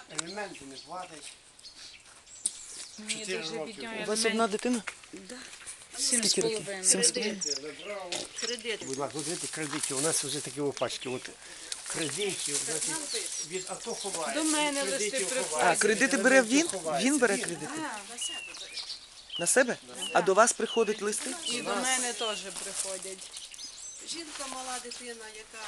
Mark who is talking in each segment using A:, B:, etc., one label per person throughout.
A: Елементи не платить.
B: Мені
A: 4
B: дуже
A: роки.
B: бідняє.
C: У вас одна дитина?
B: Да.
C: Скільки років? 7,5?
A: Забрав.
B: Кредит.
A: Будь ласка, от видите, кредитів. У нас вже такі опачки. От кредитів, значить, від АТО ховають.
B: До мене
A: від
B: листи
A: кредитів
B: приходять.
A: ховають,
C: А, кредити
A: від
C: бере
A: елементів
C: він?
A: ховається.
C: Він бере кредити?
B: На себе бери.
C: На себе? А до вас приходять листи?
B: І до мене теж приходять.
D: Жінка, мала дитина, яка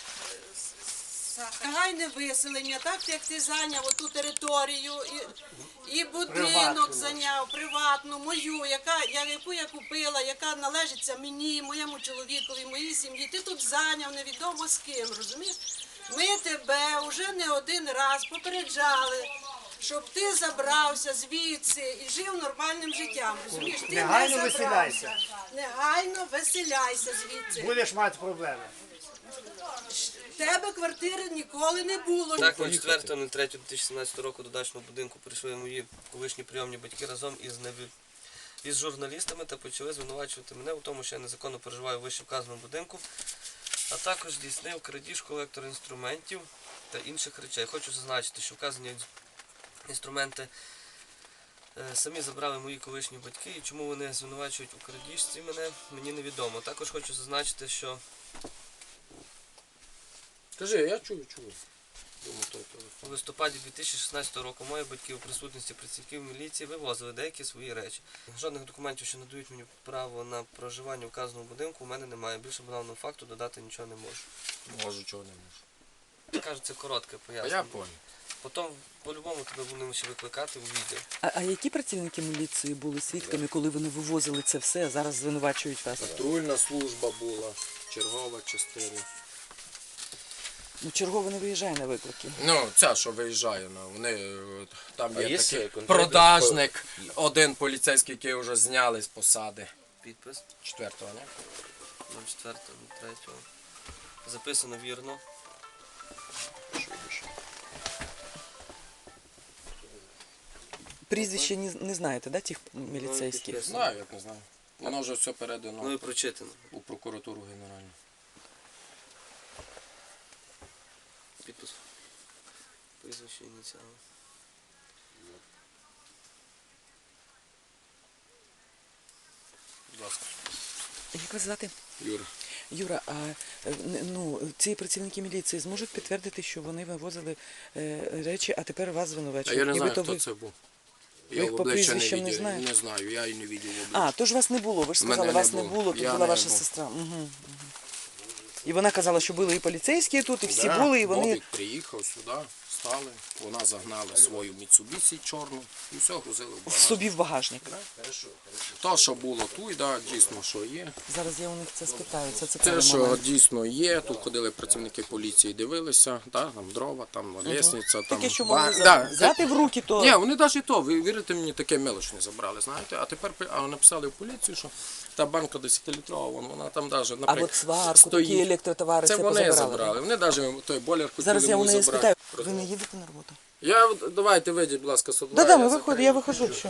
D: негайне виселення, так як ти зайняв оту територію і будинок
A: Приватну.
D: зайняв, приватну, мою, яку я купила, яка належиться мені, моєму чоловікові, моїй сім'ї. Ти тут зайняв невідомо з ким, розумієш? Ми тебе вже не один раз попереджали, щоб ти забрався звідси і жив нормальним життям, розумієш? Ти
A: Негайно
D: не забрався.
A: виселяйся.
D: Негайно виселяйся звідси.
A: Будеш мати проблеми.
D: В тебе квартири ніколи не було.
E: Так, на 4.03.2017 року до дачного будинку прийшли мої колишні прийомні батьки разом із журналістами та почали звинувачувати мене у тому, що я незаконно проживаю в вище вказаному будинку, а також здійснив крадіжку електроінструментів та інших речей. Хочу зазначити, що вказані інструменти самі забрали мої колишні батьки, і чому вони звинувачують у крадіжці мене, мені невідомо. Також хочу зазначити, що
F: Кажи, я чую.
E: у листопаді 2016 року мої батьки у присутності працівників міліції вивозили деякі свої речі. Жодних документів, що надають мені право на проживання в вказаному будинку, у мене немає. Більше банального факту додати нічого не можу.
F: Можу, чого не можу.
E: Кажуть, це коротке
F: А я
E: пояснення.
F: понял.
E: Потім по-любому тебе будемо ще викликати у відділ.
C: А які працівники міліції були свідками, коли вони вивозили це все, а зараз звинувачують вас?
F: Патрульна служба була, чергова частина.
C: Ну, чергово не виїжджає на виклики.
F: Ну, ця, що виїжджає, вони там є
G: є
F: такий
G: конкретний
F: продажник, один поліцейський, який вже зняли з посади.
E: Підпис
F: 4-го, не?
E: 04.03. Записано вірно.
C: Прізвище не знаєте, да, тих міліцейських?
F: Знаю, як не знаю. Воно вже все
E: Ну
F: передано
E: і прочитано.
F: у прокуратуру генеральну.
E: Підпис. Прізвище ініціали.
F: Будь ласка.
C: Як вас звати?
F: Юра.
C: Юра, а ці працівники міліції зможуть підтвердити, що вони вивозили речі, а тепер вас
F: А
C: звинувачують?
F: я не знаю,
C: Нібито
F: хто
C: ви-
F: це був.
C: Ви
F: Я
C: їх
F: в
C: по
F: обличчя
C: прізвищам не
F: видів.
C: знаєте?
F: Не знаю, я і не бачив в обличчя.
C: А, тож вас не було, ви ж
F: Мене
C: сказали,
F: не
C: вас не
F: було.
C: було, тут
F: Я
C: була
F: не
C: ваша
F: був.
C: сестра. Угу. І вона казала, що були і поліцейські тут, і всі
F: Да,
C: були, і вони...
F: Бобік приїхав сюди, стали, вона загнала свою Mitsubishi чорну і все, грузили в багажник.
C: собі в багажник.
F: То, що було тут, да, дійсно, що є.
C: Зараз я у них це спитаю, це
F: Те,
C: цікавий
F: що
C: момент.
F: дійсно є, тут ходили працівники поліції, дивилися, да, там дрова, там лісниця, там...
C: Таке, що могли
F: Да,
C: взяти в руки, то...
F: Ні, вони навіть і то, ви вірите мені, таке мелоч не забрали, знаєте, а тепер написали в поліцію, що та банка 10-літрова, вона там навіть,
C: А
F: наприклад,
C: от сварку,
F: стоїть.
C: такі електротовари,
F: Це
C: все
F: вони
C: позабирали.
F: забрали, вони навіть той бойлер хотіли
C: Зараз я у
F: мені
C: неї
F: забрати.
C: спитаю. Ви не їдете на роботу?
F: Давайте вийдіть, будь ласка, сюди.
C: Да, ми виходимо, я виходжу. Що?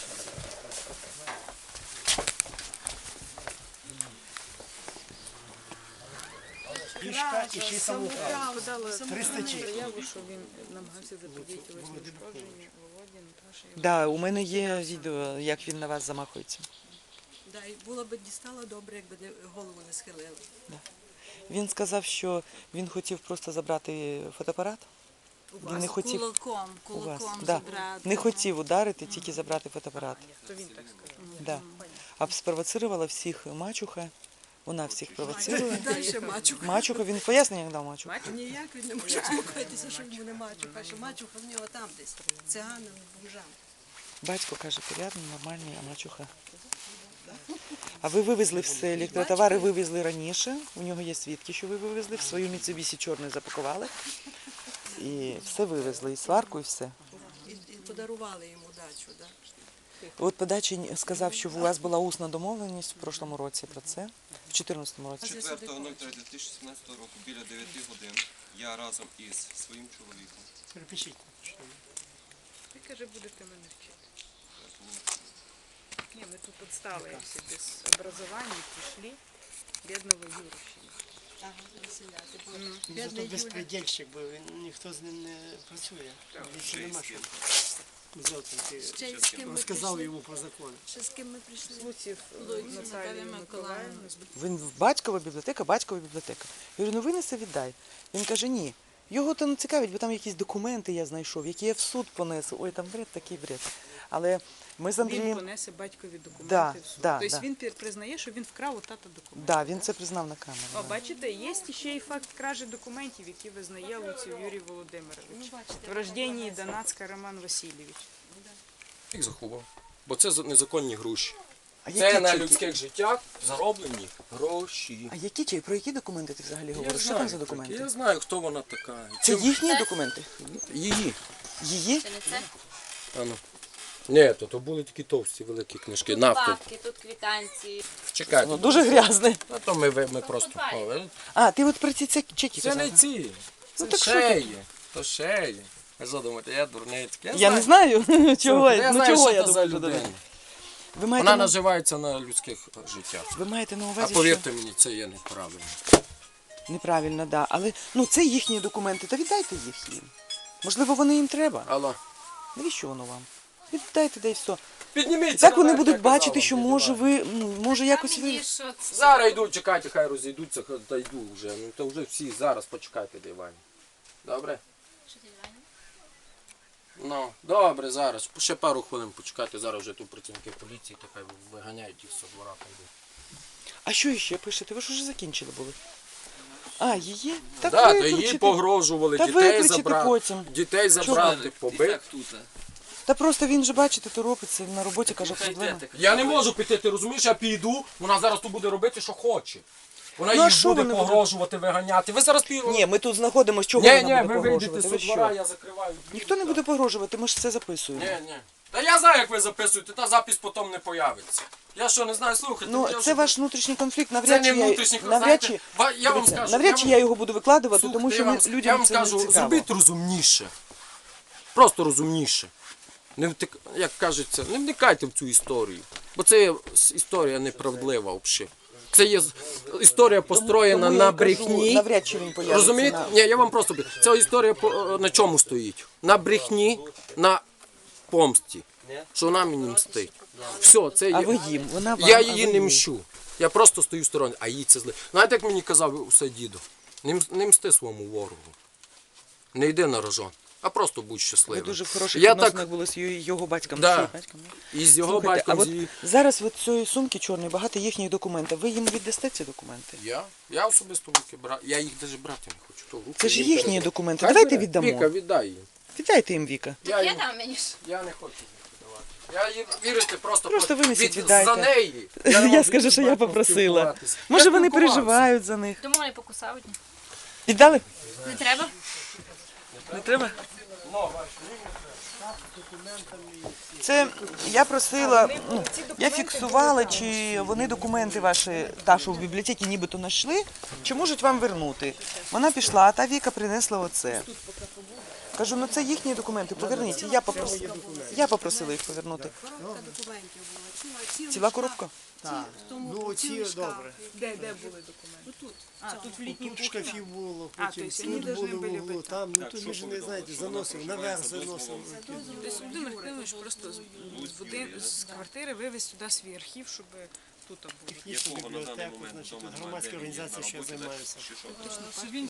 A: Кішка і ще й самоуправ. 300 чек.
B: Заяву, що він намагався заподіяти ушкодження Володі, Наташі.
C: Да, у мене є відео, як він на вас замахується.
D: Да, і було б дістало добре, якби голову не схилили.
C: Він сказав, що він хотів просто забрати фотоапарат. Він не хотів у вас. Да.
B: забрати.
C: Не хотів ударити, тільки забрати фотоапарат.
B: То він так сказав.
C: Да. А спровоцировала всіх мачуха. Вона всіх провоцирує.
D: Далі мачуха.
C: Мачуха, він пояснення дав мачуха.
D: Ніяк він не може успокоїтися, що йому не мачуха, що мачуха в нього там десь, циганам, бомжам.
C: Батько каже, порядний, нормальний, а мачуха. А ви вивезли все, електротовари вивезли раніше. У нього є свідки, що ви вивезли. В свою Mitsubishi чорну запакували. І все вивезли, і сварку, і все.
D: І подарували йому дачу, да.
C: От по дачі сказав, що у вас була усна домовленість в прошлому році про це, в 2014 році.
H: 4.03.2017 року біля 9 годин я разом із своїм чоловіком.
A: Перепишіть.
B: Ти, каже, будете мене вчити. Ні, ми тут отстали всі без образування, прийшли, бідного Юрищина.
A: Він зато безпредельщик, бо ніхто з ним не працює. Більше нема що. Зовсім ти розказав йому про закон.
B: Луців Наталія Миколаївна.
C: Він в батькова бібліотека. Я говорю, ну винеси, віддай. Він каже, ні. Його то не цікавить, бо там якісь документи я знайшов, які я в суд понесу. Ой, там бред, такий бред. Але ми з
B: Він
C: Андрієм...
B: понесе батькові документи
C: Да,
B: в суд.
C: да,
B: Тобто
C: да.
B: він признає, що він вкрав у тата документи.
C: Да, він це признав на камеру.
B: О, бачите, є ще й факт кражі документів, які визнає Луців Юрій Володимирович. В рожденні Донацька Роман Васильович.
F: Їх заховав. Бо це незаконні гроші.
C: А
F: Це
C: які
F: на
C: чеки?
F: людських життях зароблені гроші.
C: А які чеки? Про які документи ти взагалі говориш? Що там за документи?
F: Я знаю, хто вона така.
C: Це їхні документи?
F: Її.
C: Її?
F: Ану. Ні, то були такі товсті великі книжки. Нафти.
G: Папки, тут квитанції.
F: Чекайте.
C: Ну, дуже грязне.
F: А то ми просто.
C: А, ти от про ці чеки
F: Це
C: казав?
F: не ці. Це
C: так що
F: ще є. То ще є. Ви що думаєте, я дурницький?
C: Я не знаю, чого,
F: Я
C: ну
F: знаю,
C: чого
F: що
C: я
F: це за
C: думаю, що
F: людина.
C: думаю. Ви
F: Вона
C: маєте, на...
F: наживається на людських життях.
C: Ви маєте на
F: А
C: увазі,
F: повірте мені, це є неправильно.
C: що неправильно, да. Але ну це їхні документи, то віддайте їх їм. Можливо, вони їм треба.
F: Алло.
C: Навіщо воно вам? Віддайте, да і все.
F: Підніміться.
C: Так вони
F: наверх,
C: будуть
F: я казав
C: бачити,
F: вам,
C: що
F: не
C: може
F: знаю.
C: ви, ну, може якось ви...
G: Що це?
F: Зараз йдуть, чекайте, хай розійдуться, та йду вже. Ну то вже всі зараз почекайте дивані. Добре?
G: Що ти, Ваня?
F: Ну, добре, зараз. Ще пару хвилин почекайте, зараз вже тут працівники поліції, то хай виганяють їх з двора та йдуть.
C: А що іще пишете? Ви ж уже закінчили були. А, її? Так
F: Да, то
C: викричите.
F: її погрожували,
C: Та
F: дітей
C: викричите
F: забрати.
C: потім.
F: Дітей забрати, побити.
C: Та просто він же, бачите, торопиться, на роботі каже, проблема.
F: Я не можу піти, ти розумієш, я піду, вона зараз тут буде робити, що хоче. Вона
C: Ну, а
F: їх
C: що
F: буде
C: вони будуть?
F: погрожувати, виганяти. Ви зараз
C: Ні, ми тут знаходимося, чого
F: Ні,
C: вона
F: ні,
C: буде
F: ви вийдете
C: погрожувати?
F: з
C: Ви
F: двора,
C: що?
F: я закриваю.
C: Ніхто не буде погрожувати, ми ж це записуємо.
F: Ні, ні. Та я знаю, як ви записуєте, та запис потім не появиться. Я що, не знаю, слухайте.
C: Ну,
F: я
C: це
F: вже-
C: ваш внутрішній конфлікт,
F: Це
C: навряд
F: не
C: чи
F: внутрішній
C: я, навряд чи,
F: Я вам
C: дивіться,
F: скажу.
C: навряд чи я його буду викладувати,
F: Слухайте,
C: тому що
F: я вам
C: людям це
F: скажу,
C: не цікаво.
F: зробіть розумніше. Просто розумніше. Як кажеться, не вникайте в цю історію. Бо це є історія неправдлива взагалі. Це є історія построєна
C: Тому я
F: на
C: й кажу,
F: брехні.
C: навряд чи він появиться.
F: Розумієте?
C: на-
F: Ні, я вам просто... Ця історія на чому стоїть? На брехні, на помсті. Що вона мені мстить. Все, це
C: А
F: є...
C: ви їм, вона вам,
F: Я
C: а
F: її
C: ви
F: не
C: їй.
F: мщу. Я просто стою в стороні, а їй це зле. Знаєте, як мені казав усе діду? Не мсти своєму ворогу. Не йди на рожон, а просто будь
C: Ви
F: щасливим.
C: дуже в хороших
F: Я
C: відносинах
F: так
C: були з його батьком.
F: Да.
C: з її батьком, да?
F: і з його
C: Слухайте,
F: батьком,
C: а
F: з
C: от
F: її...
C: зараз від цієї сумки чорної багато їхніх документів. Ви їм віддасте ці документи?
F: Я особисто в руки брав. Я їх навіть брати не хочу. То в руки
C: Це ж
F: їм
C: їхні
F: передаю.
C: документи.
F: Хай
C: Давайте
F: бере.
C: віддамо.
F: Віка, віддай їм.
C: Віддайте їм, Віка.
F: Я,
G: Я
F: їм...
G: дам мені ж.
F: я не хочу їх віддавати. Я їм, вірите, просто
C: винесіть, віддайте.
F: за неї.
C: Я
F: не можу
C: скажу,
F: з
C: що я
F: батьком
C: попросила.
F: спілкуватися.
C: Може
F: Я
C: вони
F: спілкувався.
C: переживають за них.
G: Тому не покусають.
C: Віддали?
G: Не треба?
C: Не треба? Це я просила, ну, я фіксувала, чи вони документи ваші, та, що в бібліотеці нібито знайшли, чи можуть вам вернути. Вона пішла, а та Віка принесла оце. Кажу, ну це їхні документи, поверніть. Я попросила їх повернути. Ціла коробка?
A: Так. Ну, ці добре.
B: Де були документи? Тут. А, тут в літній
A: Тут
B: кухні.
A: шкафів було,
B: А,
A: потім
B: то есть вони
A: тут
B: должны
A: були
B: були
A: в углу,
B: бути
A: там, ну тут ми ж не знаєте, заносив, наверх заносив.
B: Тобто Володимир Кирилович просто з квартири вивез сюди свій архів, щоб тут було.
A: Технічну бібліотеку, значить, тут громадська організація, що я займаюся.
B: Він